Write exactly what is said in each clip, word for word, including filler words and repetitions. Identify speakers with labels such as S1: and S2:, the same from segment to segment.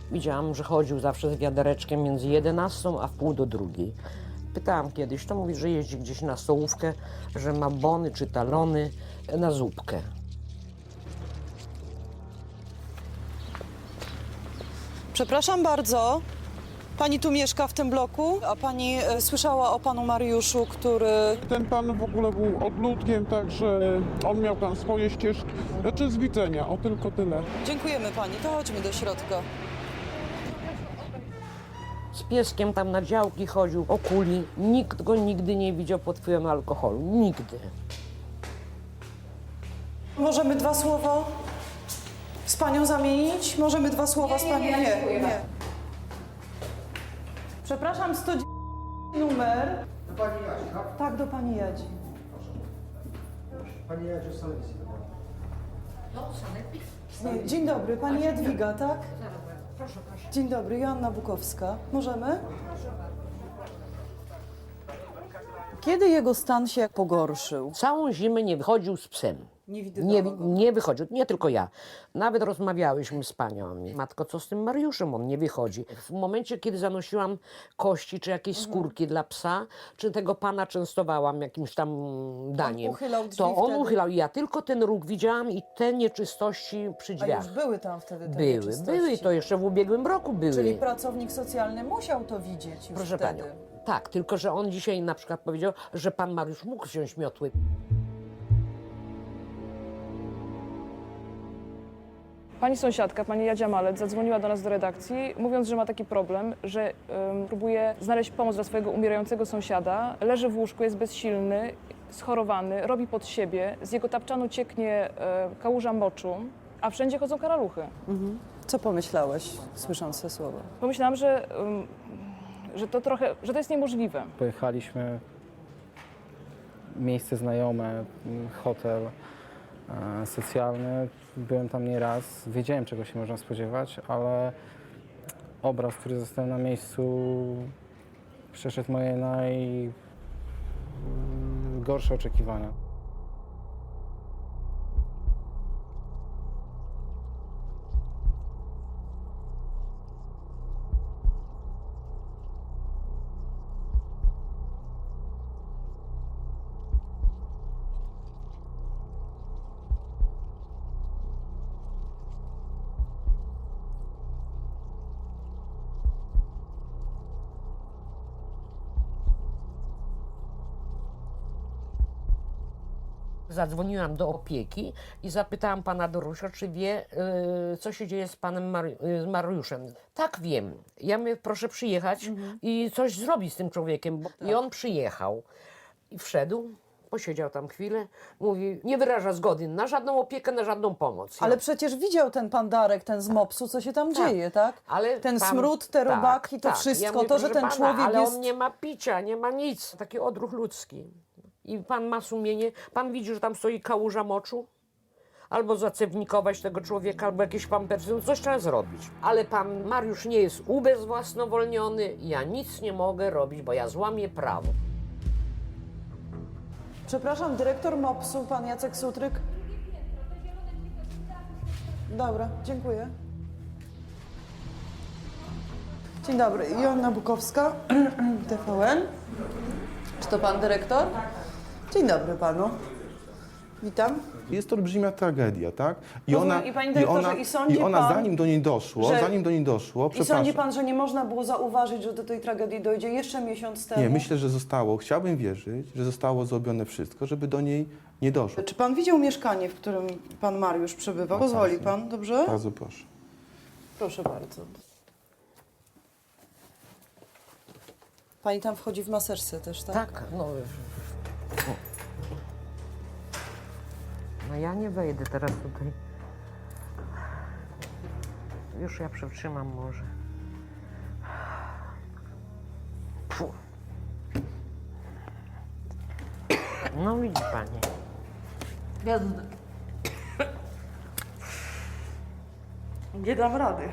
S1: Widziałam, że chodził zawsze z wiadereczkiem między jedenastą a w pół do drugiej. Pytałam kiedyś, to mówi, że jeździ gdzieś na stołówkę, że ma bony czy talony na zupkę.
S2: Przepraszam bardzo. Pani tu mieszka w tym bloku? A pani e, słyszała o panu Mariuszu, który...
S3: Ten pan w ogóle był odludkiem, także on miał tam swoje ścieżki. Znaczy z widzenia, o tylko tyle.
S2: Dziękujemy pani, to chodźmy do środka.
S1: Z pieskiem tam na działki chodził, okuli. Nikt go nigdy nie widział pod wpływem alkoholu. Nigdy.
S2: Możemy dwa słowa z panią zamienić? Możemy dwa słowa z panią? Nie, nie, nie. Przepraszam, sto numer.
S4: Do pani Jadzi, tak?
S2: Tak, do pani Jadzi.
S4: Pani Jadzi z telewizji.
S2: Nie, dzień dobry, pani Jadwiga, tak?
S1: Proszę, proszę.
S2: Dzień dobry, Joanna Bukowska. Możemy? Kiedy jego stan się pogorszył?
S1: Całą zimę nie wychodził z psem.
S2: Nie
S1: Nie,
S2: widywałam go.
S1: nie wychodził, nie tylko ja. Nawet rozmawiałyśmy z panią. Matko, co z tym Mariuszem? On nie wychodzi. W momencie, kiedy zanosiłam kości czy jakieś skórki dla psa, czy tego pana częstowałam jakimś tam daniem,
S2: uchylał drzwi
S1: to on
S2: wtedy?
S1: uchylał. Ja tylko ten róg widziałam i te nieczystości przy
S2: A
S1: drzwiach.
S2: już były tam wtedy te
S1: Były,
S2: nieczystości.
S1: były. To jeszcze w ubiegłym roku były.
S2: Czyli pracownik socjalny musiał to widzieć już
S1: Proszę
S2: wtedy.
S1: panią. Tak, tylko że on dzisiaj na przykład powiedział, że pan Mariusz mógł wziąć miotły.
S5: Pani sąsiadka, pani Jadzia Malec, zadzwoniła do nas do redakcji, mówiąc, że ma taki problem, że um, próbuje znaleźć pomoc dla swojego umierającego sąsiada. Leży w łóżku, jest bezsilny, schorowany, robi pod siebie, z jego tapczanu cieknie e, kałuża moczu, a wszędzie chodzą karaluchy.
S2: Co pomyślałeś, słysząc te słowa?
S5: Pomyślałam, że, um, że to trochę, że to jest niemożliwe.
S6: Pojechaliśmy, miejsce znajome, hotel e, socjalny. Byłem tam nieraz, wiedziałem, czego się można spodziewać, ale obraz, który został na miejscu, przeszedł moje najgorsze oczekiwania.
S1: Zadzwoniłam do opieki i zapytałam pana Dorusia, czy wie, y, co się dzieje z panem Mari y, z Mariuszem. Tak, wiem. Ja mówię, proszę przyjechać i coś zrobić z tym człowiekiem. Bo... I on przyjechał i wszedł, posiedział tam chwilę, mówi, nie wyraża zgody na żadną opiekę, na żadną pomoc.
S2: Ale przecież widział ten pan Darek, ten z mopsu, co się tam
S1: Tak.
S2: dzieje, tak?
S1: Ale
S2: ten
S1: pan-
S2: smród, te
S1: tak,
S2: robaki, to
S1: tak.
S2: wszystko,
S1: Ja mówię,
S2: to, że
S1: proszę
S2: ten
S1: pana,
S2: człowiek
S1: ale
S2: jest...
S1: on nie ma picia, nie ma nic. Taki odruch ludzki. I pan ma sumienie, pan widzi, że tam stoi kałuża moczu? Albo zacewnikować tego człowieka, albo jakieś pampersy, no coś trzeba zrobić. Ale pan Mariusz nie jest ubezwłasnowolniony, ja nic nie mogę robić, bo ja złamię prawo.
S2: Przepraszam, dyrektor mopsu, pan Jacek Sutryk. Dobra, dziękuję. Dzień dobry, Joanna Bukowska, T V N. Czy to pan dyrektor? Dzień dobry panu. Witam.
S7: Jest to olbrzymia tragedia, tak? I
S2: Rozumiem. I panie dyrektorze, i sądzi
S7: i ona
S2: pan,
S7: zanim do niej doszło,
S2: że-
S7: zanim do niej doszło,
S2: I
S7: przepraszam.
S2: sądzi pan, że nie można było zauważyć, że do tej tragedii dojdzie jeszcze miesiąc temu?
S7: Nie, myślę, że zostało, chciałbym wierzyć, że zostało zrobione wszystko, żeby do niej nie doszło.
S2: Czy pan widział mieszkanie, w którym pan Mariusz przebywał? Pozwoli
S7: Bardzo.
S2: pan, dobrze?
S7: Bardzo proszę.
S2: Proszę bardzo. Pani tam wchodzi w maserce też, tak?
S1: Tak, no... No ja nie wejdę teraz tutaj. Już ja przytrzymam może. Fu. No widzi pani.
S2: Jasne. Nie dam rady.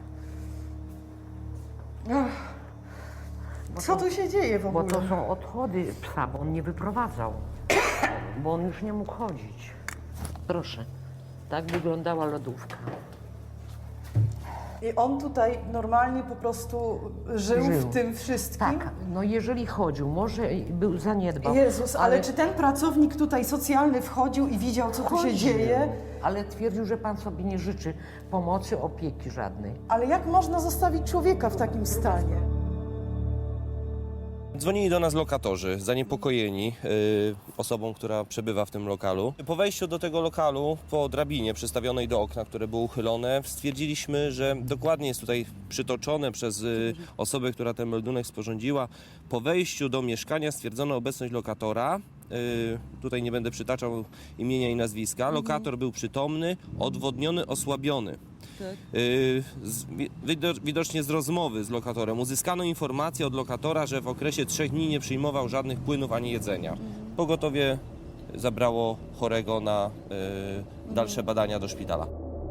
S2: Ach. Co tu się dzieje w
S1: Bo
S2: ogóle?
S1: to są odchody psa, bo on nie wyprowadzał. Bo on już nie mógł chodzić. Proszę, tak wyglądała lodówka.
S2: I on tutaj normalnie po prostu żył,
S1: Żył.
S2: w tym wszystkim?
S1: Tak, no jeżeli chodził, może był zaniedbał.
S2: Jezus, ale, czy ten pracownik tutaj socjalny wchodził i widział, co tu się
S1: Chodził,
S2: dzieje?
S1: Ale twierdził, że pan sobie nie życzy pomocy, opieki żadnej.
S2: Ale jak można zostawić człowieka w takim stanie?
S8: Dzwonili do nas lokatorzy, zaniepokojeni y, osobą, która przebywa w tym lokalu. Po wejściu do tego lokalu, po drabinie przystawionej do okna, które było uchylone, stwierdziliśmy, że dokładnie jest tutaj przytoczone przez y, osobę, która ten meldunek sporządziła. Po wejściu do mieszkania stwierdzono obecność lokatora. Y, tutaj nie będę przytaczał imienia i nazwiska. Lokator był przytomny, odwodniony, osłabiony. Y, z, wido- widocznie z rozmowy z lokatorem uzyskano informację od lokatora, że w okresie trzech dni nie przyjmował żadnych płynów ani jedzenia. Pogotowie zabrało chorego na y, dalsze badania do szpitala.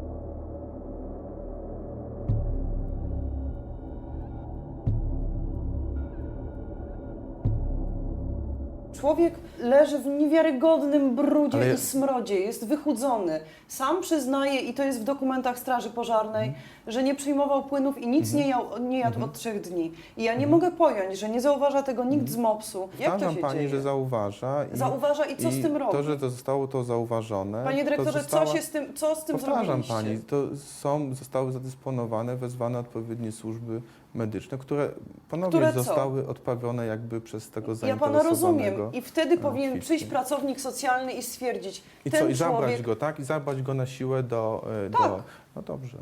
S2: Człowiek leży w niewiarygodnym brudzie
S7: Ale-
S2: i smrodzie, jest wychudzony. Sam przyznaje, i to jest w dokumentach Straży Pożarnej,
S7: Mhm.
S2: że nie przyjmował płynów i nic nie, jał, nie jadł od trzech dni. I ja nie mogę pojąć, że nie zauważa tego nikt z mopsu. Jak to
S7: Mhm. Powtarzam
S2: się
S7: pani,
S2: dzieje?
S7: że zauważa. I,
S2: Zauważa i co z tym robi?
S7: To, że to zostało to zauważone.
S2: Panie dyrektorze,
S7: to została...
S2: co się z tym, co z tym
S7: Powtarzam
S2: zrobiliście?
S7: pani, to są, zostały zadysponowane, wezwane odpowiednie służby medyczne, które ponownie
S2: Które co?
S7: zostały odprawione jakby przez tego
S2: Ja
S7: zainteresowanego.
S2: pana rozumiem. I wtedy powinien
S7: kwitki.
S2: przyjść pracownik socjalny i stwierdzić,
S7: I
S2: ten
S7: co, i zabrać
S2: człowiek...
S7: go, tak? I zabrać go na siłę do... e,
S2: Tak.
S7: do... No dobrze.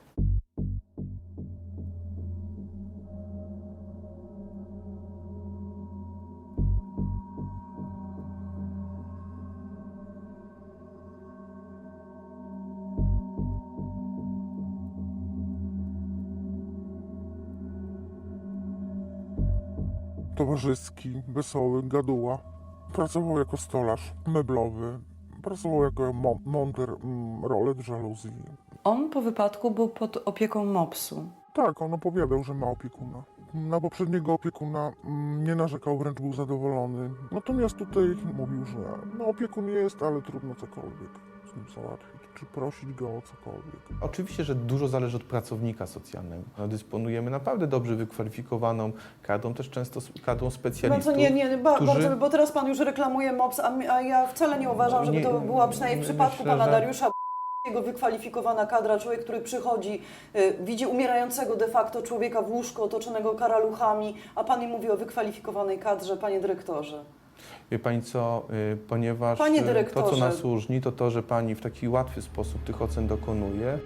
S3: Towarzyski, wesoły, gaduła. Pracował jako stolarz meblowy. Pracował jako mo- monter mm, rolet, żaluzji.
S2: On po wypadku był pod opieką mopsu.
S3: Tak, on opowiadał, że ma opiekuna. Na poprzedniego opiekuna mm, nie narzekał, wręcz był zadowolony. Natomiast tutaj mówił, że no opiekun jest, ale trudno cokolwiek z nim załatwić, czy prosić go o cokolwiek.
S7: Oczywiście, że dużo zależy od pracownika socjalnego. No, dysponujemy naprawdę dobrze wykwalifikowaną kadrą, też często s- kadrą specjalistów.
S2: Bardzo nie, nie, ba,
S7: którzy-
S2: bardzo, bo teraz pan już reklamuje mops, a, mi- a ja wcale nie uważam, żeby
S7: Nie,
S2: to była przynajmniej w
S7: my-
S2: przypadku
S7: myślę,
S2: pana
S7: że-
S2: Dariusza jego wykwalifikowana kadra, człowiek, który przychodzi, y, widzi umierającego de facto człowieka w łóżku otoczonego karaluchami, a pan mi mówi o wykwalifikowanej kadrze, panie dyrektorze.
S7: Wie pani co, y, ponieważ
S2: Panie
S7: y, to, co
S2: dyrektorze.
S7: nas różni, to to, że pani w taki łatwy sposób tych ocen dokonuje.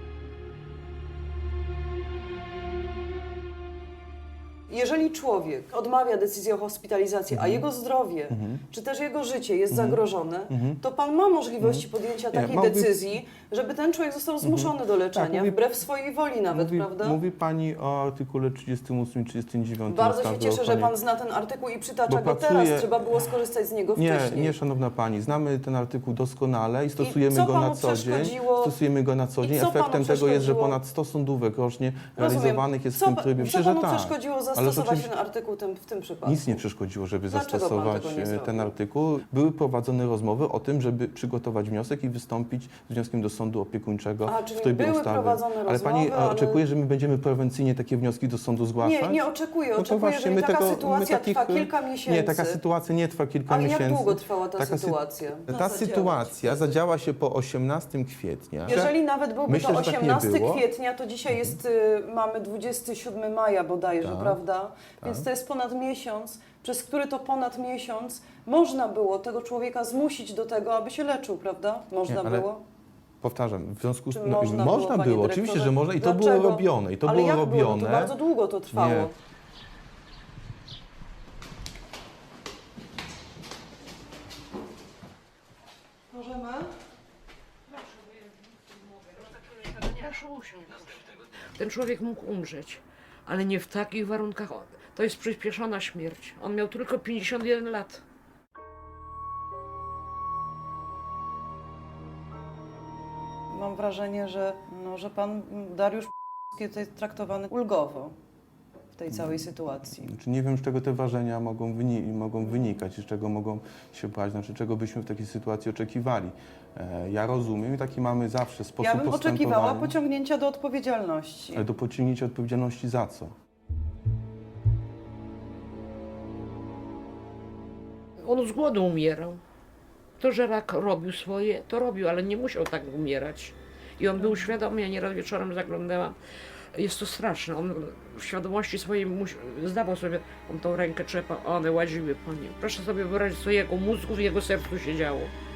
S2: Jeżeli człowiek odmawia decyzji o hospitalizacji,
S7: Mhm.
S2: a jego zdrowie, czy też jego życie jest zagrożone, to pan ma możliwości podjęcia
S7: Mhm. Nie,
S2: takiej
S7: mogę-
S2: decyzji, żeby ten człowiek został zmuszony do leczenia,
S7: Tak, mówi-
S2: wbrew swojej woli nawet,
S7: Mówi,
S2: prawda?
S7: mówi pani o artykule trzydziestym ósmym i trzydziestym dziewiątym
S2: Bardzo się
S7: ustawy o
S2: cieszę, że
S7: ochronie-
S2: pan zna ten artykuł i przytacza
S7: Bo
S2: go
S7: pracuje-
S2: teraz. Trzeba było skorzystać z niego
S7: Nie,
S2: wcześniej.
S7: nie, szanowna pani, znamy ten artykuł doskonale i stosujemy
S2: co
S7: go
S2: panu
S7: na co dzień.
S2: przeszkodziło-
S7: Stosujemy go na co
S2: i
S7: dzień.
S2: co panu
S7: Efektem tego jest, że
S2: przeszkodziło-
S7: ponad sto sądówek rocznie
S2: Rozumiem.
S7: realizowanych jest
S2: co,
S7: w tym
S2: pa-
S7: trybie.
S2: Co
S7: Myślę, że
S2: panu
S7: tak.
S2: przeszkodziło
S7: Ale
S2: zastosować
S7: rzeczywiście
S2: ten artykuł tym, w tym przypadku?
S7: nic nie przeszkodziło, żeby
S2: Dlaczego pan
S7: zastosować
S2: tego nie
S7: e,
S2: zrobił?
S7: ten artykuł. Były prowadzone rozmowy o tym, żeby przygotować wniosek i wystąpić z wnioskiem do sądu opiekuńczego
S2: A, czyli
S7: w trybie
S2: były
S7: ustawy.
S2: prowadzone
S7: ale pani
S2: rozmowy, ale-
S7: oczekuje, że my będziemy prewencyjnie takie wnioski do sądu zgłaszać?
S2: Nie, nie oczekuję.
S7: No to
S2: Oczekuję,
S7: właśnie,
S2: jeżeli
S7: my
S2: taka
S7: tego- my
S2: sytuacja
S7: takich-
S2: trwa kilka miesięcy.
S7: Nie, taka sytuacja nie trwa kilka
S2: Ale jak
S7: miesięcy.
S2: długo trwała ta
S7: Taka sy-
S2: sytuacja? Ma
S7: Ta
S2: zadziałać
S7: sytuacja
S2: wtedy.
S7: zadziała się po osiemnastego kwietnia.
S2: Jeżeli nawet byłby
S7: Myślę,
S2: to
S7: że tak nie
S2: osiemnastego
S7: było.
S2: kwietnia, to dzisiaj jest, y, mamy dwudziestego siódmego maja bodajże,
S7: Tak,
S2: prawda? Więc to jest ponad miesiąc, przez który to ponad miesiąc można było tego człowieka zmusić do tego, aby się leczył, prawda? Można
S7: Nie, ale
S2: było?
S7: Powtarzam, w związku z
S2: Czy
S7: tym,
S2: można,
S7: można
S2: było,
S7: było,
S2: panie
S7: oczywiście,
S2: dyrektorze?
S7: że można i to
S2: Dlaczego?
S7: było robione, i to
S2: Ale
S7: było
S2: jak
S7: robione.
S2: Było? To bardzo długo to trwało.
S7: Nie.
S2: Możemy?
S1: Proszę usiąść. Ten człowiek mógł umrzeć, ale nie w takich warunkach. To jest przyspieszona śmierć. On miał tylko pięćdziesiąt jeden lat.
S2: Mam wrażenie, że, no, że pan Dariusz jest traktowany ulgowo. w tej całej sytuacji?
S7: Znaczy nie wiem, z czego te ważenia mogą, wyni- mogą wynikać i z czego mogą się brać, znaczy czego byśmy w takiej sytuacji oczekiwali. E, ja rozumiem i taki mamy zawsze sposób
S2: Ja bym oczekiwała
S7: postępowania.
S2: pociągnięcia do odpowiedzialności.
S7: Ale do pociągnięcia odpowiedzialności za co?
S1: On z głodu umierał. To, że rak robił swoje, to robił, ale nie musiał tak umierać. I on był świadomy, ja nieraz wieczorem zaglądałam. Jest to straszne. On w świadomości swojej musi, zdawał sobie, on tą rękę trzepał, a one łaziły po nim. Proszę sobie wyobrazić, co jego mózgu w jego sercu się działo.